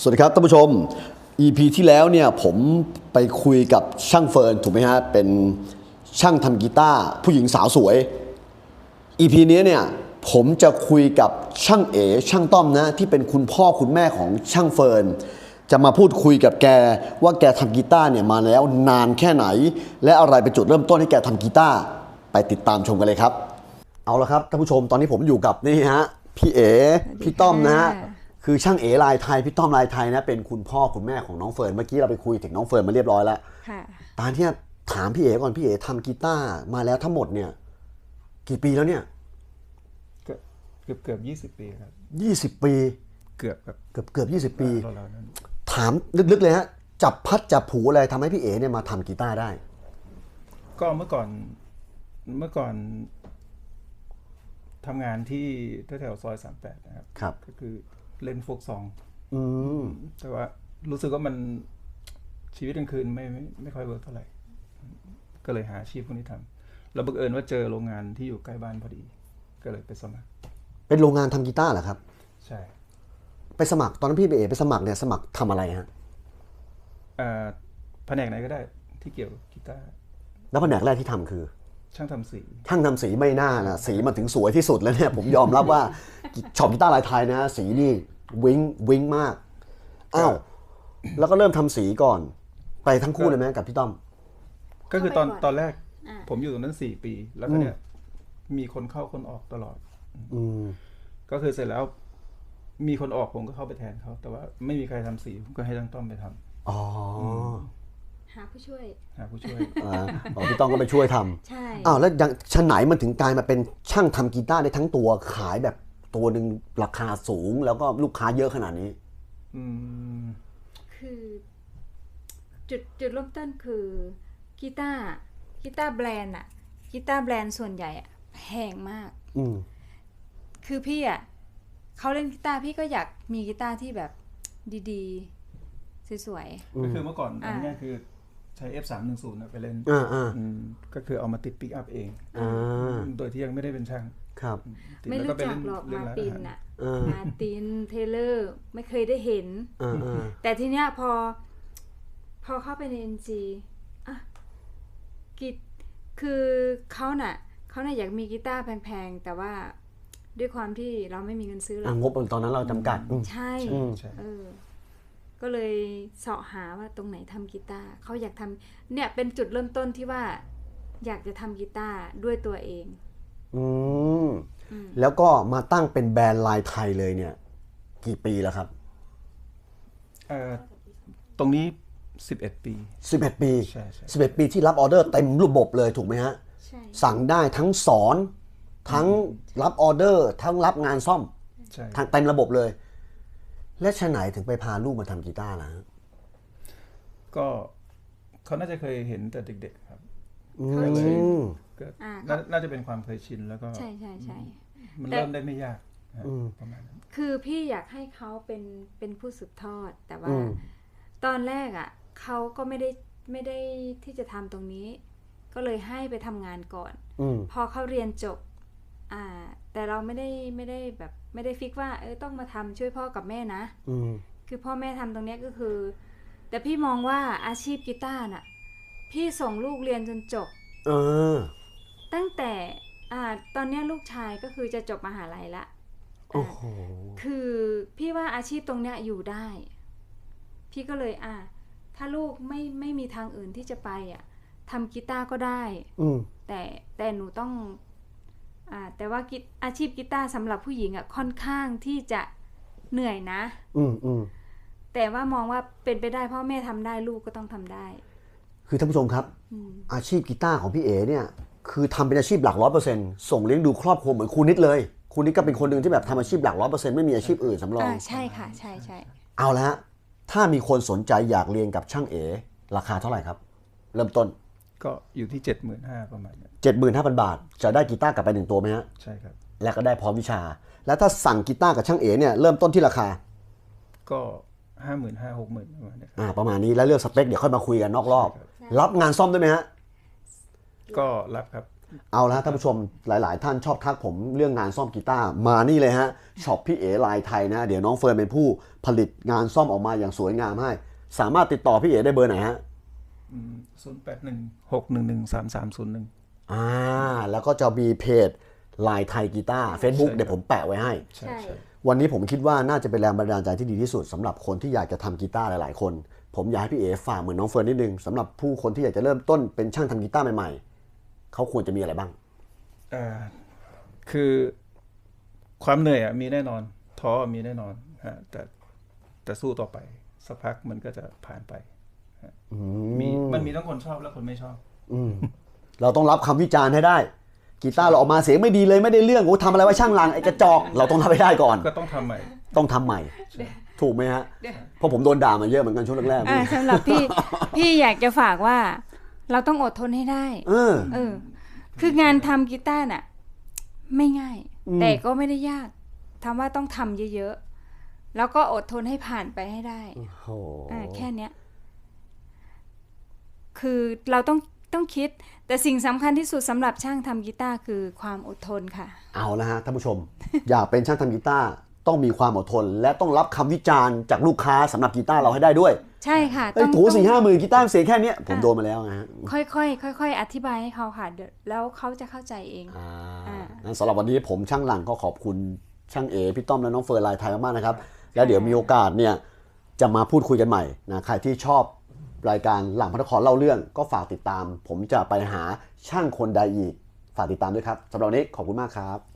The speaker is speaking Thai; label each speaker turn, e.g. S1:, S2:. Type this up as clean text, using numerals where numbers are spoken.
S1: สวัสดีครับท่านผู้ชม EP ที่แล้วเนี่ยผมไปคุยกับช่างเฟิร์นถูกไหมฮะเป็นช่างทำกีตาร์ผู้หญิงสาวสวย EP นี้เนี่ยผมจะคุยกับช่างเอ๋ช่างต้อมนะที่เป็นคุณพ่อคุณแม่ของช่างเฟิร์นจะมาพูดคุยกับแกว่าแกทำกีตาร์เนี่ยมาแล้วนานแค่ไหน และอะไรเป็นจุดเริ่มต้นให้แกทำกีตาร์ไปติดตามชมกันเลยครับเอาละครับท่านผู้ชมตอนนี้ผมอยู่กับนี่ฮะพี่เอ๋พี่ต้อมนะฮะคือช่างเอ๋ลายไทยพี่ต้อมลายไทยนะเป็นคุณพ่อคุณแม่ของน้องเฟิร์นเมื่อกี้เราไปคุยถึงน้องเฟิร์นมาเรียบร้อยแล้วตอนที่ถามพี่เอ๋ก่อนพี่เอ๋ทำกีตาร์มาแล้วทั้งหมดเนี่ยกี่ปีแล้วเนี่ย
S2: เกือบ20 ปีครับ
S1: 20 ปี
S2: เกือบครับ
S1: เกือบ20 ปี
S2: เรานั้น
S1: ถามลึกๆเลยฮะจับพัดจับผูอะไรทำให้พี่เอ๋เนี่ยมาทำกีตาร์ได้
S2: ก็เมื่อก่อนทำงานที่แถวซอย38นะครับ
S1: ครับ
S2: ก็คือเล่นโฟกซอง
S1: ม
S2: แต่ว่ารู้สึกว่ามันชีวิตกลางคืนไม่ค่อยเวิร์กเท่าไหร่ก็เลยหาอาชีพพวกนี้ทำแล้วบังเอิญว่าเจอโรงงานที่อยู่ใกล้บ้านพอดีก็เลยไปสมัคร
S1: เป็นโรงงานทำกีตาร์เหรอครับ
S2: ใช่
S1: ไปสมัครตอนนั้นพี่เอ๋ไปสมัครเนี่ยสมัครทำอะไรฮะ
S2: แผนกไหนก็ได้ที่เกี่ยวกับกีตาร์
S1: แล้วแผนกแรกที่ทำคือ
S2: ช่างทำสี
S1: ไม่น่านะสีมันถึงสวยที่สุดแล้วเนี่ยผมยอมรับว่าช็อปกีตาร์ลายไทยนะสีนี่วิ้งมากอ้าวแล้วก็เริ่มทำสีก่อนไปทั้งคู่เลยไหมกับพี่ต้อม
S2: ก็คือตอนแรกผมอยู่ตรงนั้น4 ปีแล้วก็เนี่ยมีคนเข้าคนออกตลอดก็คือเสร็จแล้วมีคนออกผมก็เข้าไปแทนเขาแต่ว่าไม่มีใครทำสีผมก็ให้ตั้งต้อมไปทำ
S1: อ๋อ
S3: หาผู้ช่วย
S1: พี่ต้องก็ไปช่วยทำ
S3: ใช่
S1: อ้าวแล้วชั้นไหนมันถึงกลายมาเป็นช่างทำกีตาร์ได้ทั้งตัวขายแบบตัวหนึ่งราคาสูงแล้วก็ลูกค้าเยอะขนาดนี้
S3: คือจุดเริ่มต้นคือกีตาร์แบรนด์อะกีตาร์แบรนด์ส่วนใหญ่อะแพงมากคือพี่อะเขาเล่นกีตาร์พี่ก็อยากมีกีตาร์ที่แบบดีๆสวย
S2: ๆก็คือเมื่อก่อนอันนี้คือใช้ F310 นะไปเล่นก็คือเอามาติดปิกอัพเองโดยที่ยังไม่ได้เป็นช่าง
S1: ครับ
S3: ไม่รู้จักหรอกมาตินอะมาตินเทเลอร์ไม่เคยได้เห็นแต่ทีเนี้ยพอเข้าไปใน NG อ่ะคือเขาน่ะอยากมีกีตาร์แพงๆแต่ว่าด้วยความที่เราไม่มีเงินซื้อหรอก
S1: งบตอนนั้นเราจำกัด
S3: ใช่ก็เลยเสาะหาว่าตรงไหนทำกีตาร์เขาอยากทำเนี่ยเป็นจุดเริ่มต้นที่ว่าอยากจะทำกีตาร์ด้วยตัวเอง
S1: แล้วก็มาตั้งเป็นแบรนด์ลายไทยเลยเนี่ยกี่ปีแล้วครับ
S2: ตรงนี้11 ปี
S1: 11 ปี
S2: ใช่
S1: 11 ปีที่รับออเดอร์เต็มระบบเลยถูกไหมฮะ
S3: ใช่
S1: สั่งได้ทั้งสอนทั้งรับออเดอร์ทั้งรับงานซ่อมทั้งเต็มระบบเลยและชะไหนถึงไปพาลูกมาทำกีตาร์ล่ะ
S2: ก็เขาน่าจะเคยเห็นแต่เด็กๆครับก็เลยน่าจะเป็นความเคยชินแล้วก็
S3: ใช่
S2: มันเริ่มได้ไม่ยากประมาณนั้น
S3: คือพี่อยากให้เขาเป็นผู้สืบทอดแต่ว่าตอนแรกอ่ะเขาก็ไม่ได้ที่จะทำตรงนี้ก็เลยให้ไปทำงานก่อนพอเขาเรียนจบแต่เราไม่ได้แบบไม่ได้ฟิกว่าต้องมาทำช่วยพ่อกับแม่นะคือพ่อแม่ทำตรงนี้ก็คือแต่พี่มองว่าอาชีพกีตาร์น่ะพี่ส่งลูกเรียนจนจบตั้งแต่ตอนนี้ลูกชายก็คือจะจบมหาลัยละคือพี่ว่าอาชีพตรงเนี้ยอยู่ได้พี่ก็เลยถ้าลูกไม่มีทางอื่นที่จะไปทำกีตาร์ก็ได้แต่หนูต้องแต่ว่าอาชีพกีตาร์สำหรับผู้หญิงค่อนข้างที่จะเหนื่อยนะแต่ว่ามองว่าเป็นไปได้พ่อแม่ทำได้ลูกก็ต้องทำได้
S1: คือท่านผู้ชมครับอาชีพกีตาร์ของพี่เอ๋เนี่ยคือทำเป็นอาชีพหลัก 100% ส่งเลี้ยงดูครอบครัวเหมือนครูนิดเลยครูนิดก็เป็นคนหนึ่งที่แบบทำอาชีพหลัก 100% ไม่มีอาชีพอื่นสำรอง
S3: ใช่ค่ะใช่
S1: เอาละถ้ามีคนสนใจอยากเรียนกับช่างเอ๋ราคาเท่าไหร่ครับเริ่มต้น
S2: ก็อยู่ที่ 75,000 ประมาณนี้
S1: 75,000 บาทจะได้กีตาร์กลับไป1 ตัวไหมฮะ
S2: ใช่ครับ
S1: และก็ได้พร้อมวิชาแล้วถ้าสั่งกีตาร์กับช่างเอ๋เนี่ยเริ่มต้นที่ราคา
S2: ก็ 55,000-60,000 ประมาณนี้
S1: ประมาณนี้แล้วเลือกสเปคเดี๋ยวค่อยมาคุยกันนอกรอบรับงานซ่อมด้วยไหมฮะ
S2: ก็รับครับ
S1: เอาละท่านผู้ชมหลายๆท่านชอบทักผมเรื่องงานซ่อมกีตาร์มานี่เลยฮะช็อปพี่เอ๋ลายไทยนะเดี๋ยวน้องเฟิร์นเป็นผู้ผลิตงานซ่อมออกมาอย่างสวยงามให้สามารถติดต่อพี่เอ๋ได้เบอร์ไหนฮะ
S2: 0816113301
S1: แล้วก็จะมีเพจลายไทยกีตาร์ Facebook เดี๋ยวผมแปะไว้ให้
S2: ใช่
S1: วันนี้ผมคิดว่าน่าจะเป็นแรงบันดาลใจที่ดีที่สุดสำหรับคนที่อยากจะทำกีตาร์หลายๆคนผมอยากให้พี่เอ๋ฝากเหมือนน้องเฟิร์นนิดนึงสำหรับผู้คนที่อยากจะเริ่มต้นเป็นช่างทำกีตาร์ใหม่ๆเขาควรจะมีอะไรบ้าง
S2: คือความเหนื่อยมีแน่นอนท้อมีแน่นอนฮะแต่สู้ต่อไปสักพักมันก็จะผ่านไปมันมีทั้งคนชอบและคนไม่ชอบ
S1: เราต้องรับคำวิจารณ์ให้ได้กีตาร์เราออกมาเสียงไม่ดีเลยไม่ได้เรื่องโอ้ทำอะไรไว้ช่างลังไอ้กระจอกเราต้องทำให้ได้ก่อน
S2: ก็ต้องทำใหม่
S1: ต้องทำใหม่ถูกไหมฮะเพราะผมโดนด่ามาเยอะเหมือนกันช่วงแรกๆ
S3: สำหรับพี่อยากจะฝากว่าเราต้องอดทนให้ได้คืองานทำกีตาร์น่ะไม่ง่ายแต่ก็ไม่ได้ยากทำว่าต้องทำเยอะๆแล้วก็อดทนให้ผ่านไปให้ได้แค่เนี้ยคือเราต้องคิดแต่สิ่งสำคัญที่สุดสำหรับช่างทำกีตาร์คือความอดทนค่ะ
S1: เอาละฮะท่านผู้ชม อยากเป็นช่างทำกีตาร์ต้องมีความอดทนและต้องรับคำวิจารณ์จากลูกค้าสำหรับกีตาร์เราให้ได้ด้วย
S3: ใช่ค่ะ
S1: ต้องถู4-5 หมื่นกีตาร์เสียงแค่นี้ผมโดนมาแล้วนะฮะ
S3: ค่อยอธิบายให้เขาค่ะแล้วเขาจะเข้าใจเอง
S1: งั้นสำหรับวันนี้ผมช่างหลังก็ขอบคุณช่างเอพี่ต้อมและน้องเฟิร์นลายไทยมากๆนะครับแล้วเดี๋ยวมีโอกาสเนี่ยจะมาพูดคุยกันใหม่นะใครที่ชอบรายการหลังพระนครเล่าเรื่องก็ฝากติดตามผมจะไปหาช่างคนใดอีกฝากติดตามด้วยครับสำหรับวันนี้ขอบคุณมากครับ